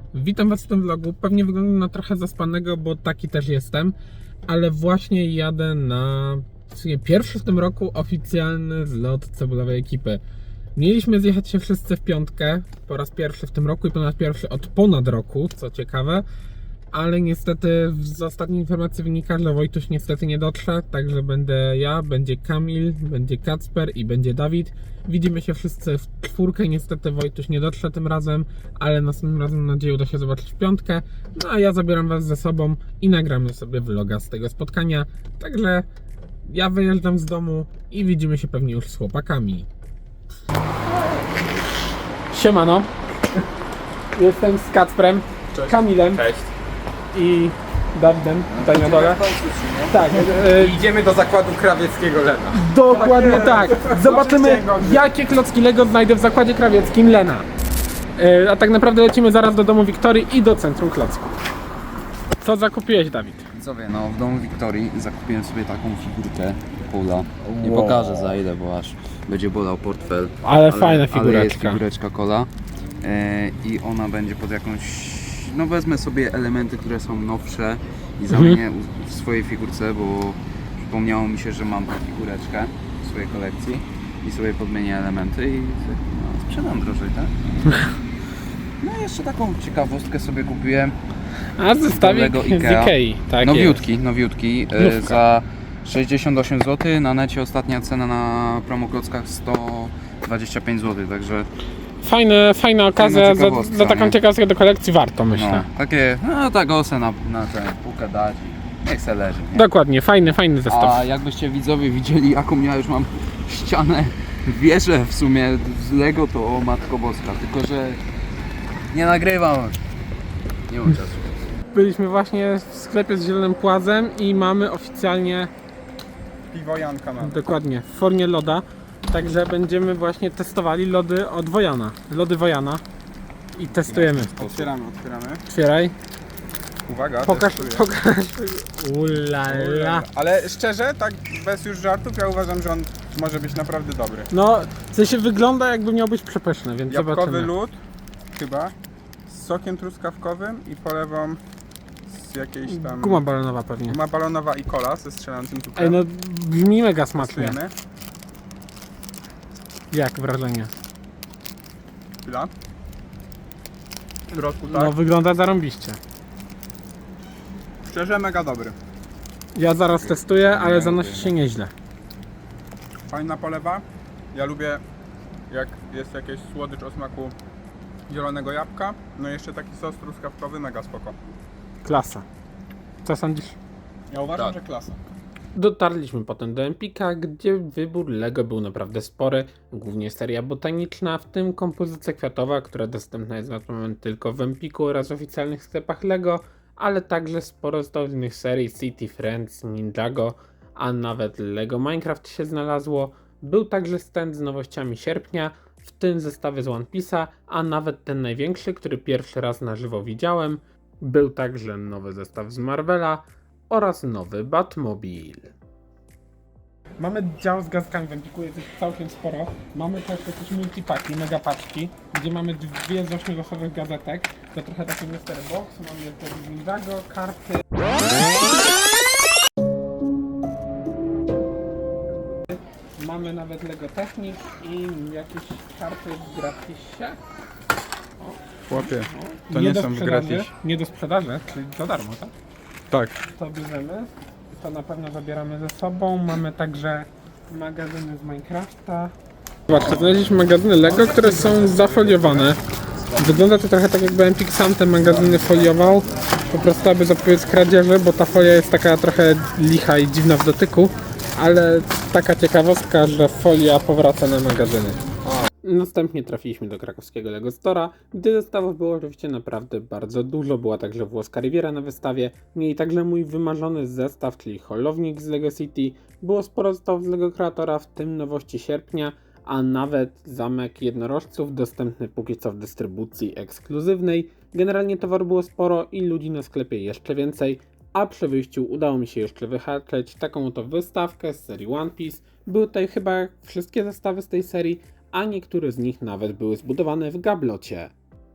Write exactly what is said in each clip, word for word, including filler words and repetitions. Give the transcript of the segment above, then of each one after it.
Witam Was w tym vlogu. Pewnie wyglądam na trochę zaspanego, bo taki też jestem, ale właśnie jadę na w sumie pierwszy w tym roku oficjalny zlot cebulowej ekipy. Mieliśmy zjechać się wszyscy w piątkę po raz pierwszy w tym roku i po raz pierwszy od ponad roku, co ciekawe, ale niestety z ostatniej informacji wynika, że Wojtuś niestety nie dotrze, także będę ja, będzie Kamil, będzie Kacper i będzie Dawid. Widzimy się wszyscy w czwórkę, niestety Wojtuś nie dotrze tym razem, ale następnym razem mam nadzieję uda się zobaczyć w piątkę. No a ja zabieram Was ze sobą i nagramy sobie vloga z tego spotkania, także ja wyjeżdżam z domu i widzimy się pewnie już z chłopakami. Siemano, jestem z Kacprem, Cześć. Kamilem. Cześć. I Dawidem, tutaj na dole. Tak, e, Idziemy do zakładu krawieckiego Lena. dokładnie tak. Zobaczymy, jakie klocki Lego znajdę w zakładzie krawieckim Lena. E, a tak naprawdę lecimy zaraz do domu Wiktorii i do centrum klocków. Co zakupiłeś, Dawid? Widzowie, no w domu Wiktorii zakupiłem sobie taką figurkę Paula. Nie Wow. pokażę za ile, bo aż będzie bolał portfel. Ale fajna Ale jest figureczka. figureczka Cola e, i ona będzie pod jakąś... No wezmę sobie elementy, które są nowsze i zamienię Mhm. w swojej figurce, bo przypomniało mi się, że mam tę figureczkę w swojej kolekcji i sobie podmienię elementy i no, sprzedam drożej, tak? No i jeszcze taką ciekawostkę sobie kupiłem. A zestawik Lego z Ikea. Ikei. Tak Nowiutki, nowiutki. e, Nówka. Za sześćdziesiąt osiem złotych. Na necie ostatnia cena na promoklockach sto dwadzieścia pięć złotych, także jest. Fajne, fajna okazja, za, ciekawostka, za taką nie? ciekawostkę do kolekcji warto, myślę. no, takie, no tak osę na, na tę półkę dać i niech se leży. Nie? Dokładnie, fajny, fajny zestaw. A jakbyście widzowie widzieli, jaką ja już mam ścianę, wieżę w sumie z Lego, to o Matko Boska, tylko że nie nagrywam. Nie mam czasu. Byliśmy właśnie w sklepie z Zielonym Płazem i mamy oficjalnie, Piwo Janka mam. dokładnie, w formie loda. Także będziemy właśnie testowali lody od Wojana. Lody Wojana. I testujemy. Otwieramy, otwieramy. Otwieraj. Uwaga, Pokaż, testuję. pokaż. Ulala. Ale szczerze, tak bez już żartów, ja uważam, że on może być naprawdę dobry. No, w sensie wygląda jakby miał być przepyszny, więc Jabłkowy zobaczymy. lód, chyba, z sokiem truskawkowym i polewą z jakiejś tam... Guma balonowa pewnie. Guma balonowa i cola ze strzelającym cukrem. Ej, no brzmi mega smacznie. Testujemy. Jak wrażenie? Chwila. W środku, tak? No wygląda zarąbiście. Szczerze, mega dobry. Ja zaraz testuję, ale zanosi się nieźle. Fajna polewa. Ja lubię, jak jest jakieś słodycz o smaku zielonego jabłka. No i jeszcze taki sos truskawkowy, mega spoko. Klasa. Co sądzisz? Ja uważam, Tak. że klasa. Dotarliśmy potem do Empika, gdzie wybór Lego był naprawdę spory, głównie seria botaniczna, w tym kompozycja kwiatowa, która dostępna jest na ten moment tylko w Empiku oraz w oficjalnych sklepach Lego, ale także sporo z innych serii City Friends, Ninjago, a nawet Lego Minecraft się znalazło. Był także stand z nowościami sierpnia, w tym zestawy z One Piece'a, a nawet ten największy, który pierwszy raz na żywo widziałem. Był także nowy zestaw z Marvela oraz nowy Batmobil. Mamy dział z gazkami w Empiku, jest ich całkiem sporo. Mamy też jakieś multipaki, mega paczki, gdzie mamy dwie z ośmiogłosowych gazetek. To trochę taki mystery box, mamy jeszcze Ninjago, karty. Mamy nawet Lego Technik i jakieś karty w gratisie. Chłopie, O, to nie do są w sprzedaży, gratis. Nie do sprzedaży, czyli za darmo, tak? Tak. To bierzemy, to na pewno zabieramy ze sobą. Mamy także magazyny z Minecrafta. Zobaczcie, znaleźliśmy magazyny Lego, które są zafoliowane. Wygląda to trochę tak, jakby Empik sam te magazyny foliował, po prostu aby zapobiec kradzieży, bo ta folia jest taka trochę licha i dziwna w dotyku, ale taka ciekawostka, że folia powraca na magazyny. Następnie trafiliśmy do krakowskiego Lego Store'a, gdzie zestawów było oczywiście naprawdę bardzo dużo. Była także włoska Riviera na wystawie, mieli także mój wymarzony zestaw, czyli holownik z Lego City. Było sporo zestawów z Lego Kreatora, w tym nowości sierpnia, a nawet zamek jednorożców dostępny póki co w dystrybucji ekskluzywnej. Generalnie towaru było sporo i ludzi na sklepie jeszcze więcej, a przy wyjściu udało mi się jeszcze wyhaczyć taką oto wystawkę z serii One Piece. Były tutaj chyba wszystkie zestawy z tej serii, a niektóre z nich nawet były zbudowane w gablocie.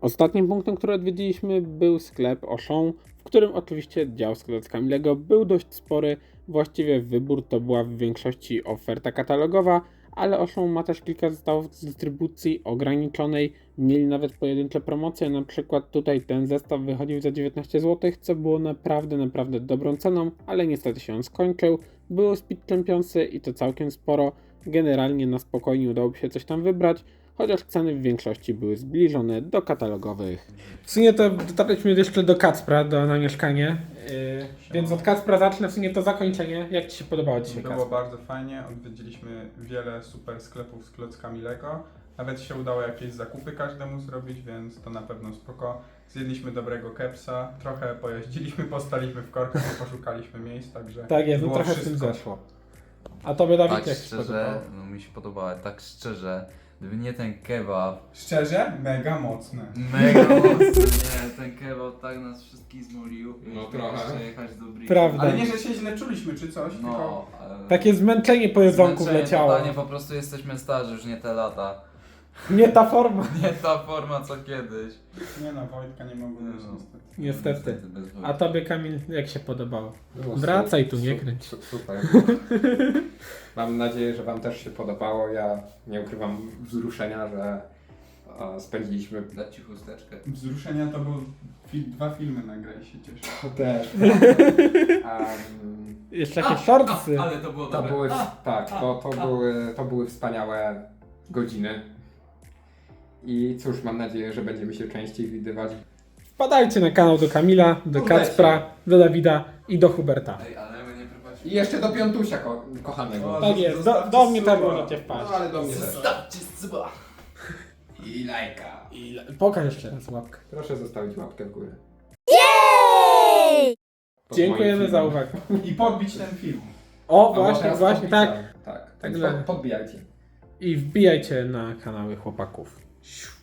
Ostatnim punktem, który odwiedziliśmy, był sklep Auchan, w którym oczywiście dział z klockami Lego był dość spory. Właściwie wybór to była w większości oferta katalogowa, ale Auchan ma też kilka zestawów z dystrybucji ograniczonej. Mieli nawet pojedyncze promocje, na przykład tutaj ten zestaw wychodził za dziewiętnaście złotych, co było naprawdę, naprawdę dobrą ceną, ale niestety się on skończył. Było Speed Championsy i to całkiem sporo. Generalnie na spokojnie udało się coś tam wybrać, chociaż ceny w większości były zbliżone do katalogowych. W sumie to dotarliśmy jeszcze do Kacpra, do, na mieszkanie, yy, więc od Kacpra zacznę w sumie to zakończenie. Jak Ci się podobało dzisiaj, Było Kacper? bardzo fajnie, odwiedziliśmy wiele super sklepów z klockami Lego. Nawet się udało jakieś zakupy każdemu zrobić, więc to na pewno spoko. Zjedliśmy dobrego kepsa, trochę pojeździliśmy, postaliśmy w korkach, poszukaliśmy miejsc, także Tak jest, no było trochę w tym wszystko. zeszło. A Tobie, Dawid, Tak jak się podobało? szczerze, no mi się podobało, tak szczerze, gdyby nie ten kebab, Szczerze, mega mocne. mega mocny, nie, ten kebab tak nas wszystkich zmolił. No Mieliśmy trochę. jeszcze jechać do Bridge'u. Prawda. Ale nie, że się źle czuliśmy czy coś, tylko... No, e, Takie zmęczenie po jedzonku zmęczenie wleciało. totalnie, po prostu jesteśmy starzy, już nie te lata. Nie ta forma. Nie ta forma co kiedyś. Nie no, Wojtka nie mogło być No. niestety. Niestety. bez A Tobie, Kamil, jak się podobało? Było Wracaj su- tu, nie su- kręć. su- Super. Mam nadzieję, że Wam też się podobało. Ja nie ukrywam wzruszenia, że e, spędziliśmy Dać ci chusteczkę. Wzruszenia to były fi- dwa filmy nagrali, się cieszę. to też. Um, Jeszcze jakieś shortsy. Ale to było to dobre. były, tak, to, to, były, to były wspaniałe godziny. I cóż, mam nadzieję, że będziemy się częściej widywać. Wpadajcie na kanał do Kamila, do Wpadajcie. Kacpra, do Dawida i do Huberta. Ej, ale my nie prowadzimy. I jeszcze do Piątusia ko- kochanego. O, Tak jest, do, Zostawcie do mnie też suba. możecie wpaść. No ale do mnie też. Zostawcie suba. I lajka. I pokaż jeszcze raz łapkę. Proszę zostawić łapkę w górę. Pod Dziękujemy moim za filmem. uwagę. I podbić ten film. O, A bo właśnie, teraz właśnie, tak. podpisałem. Tak, tak. Także- Pod, podbijajcie. I wbijajcie na kanały chłopaków. Siu.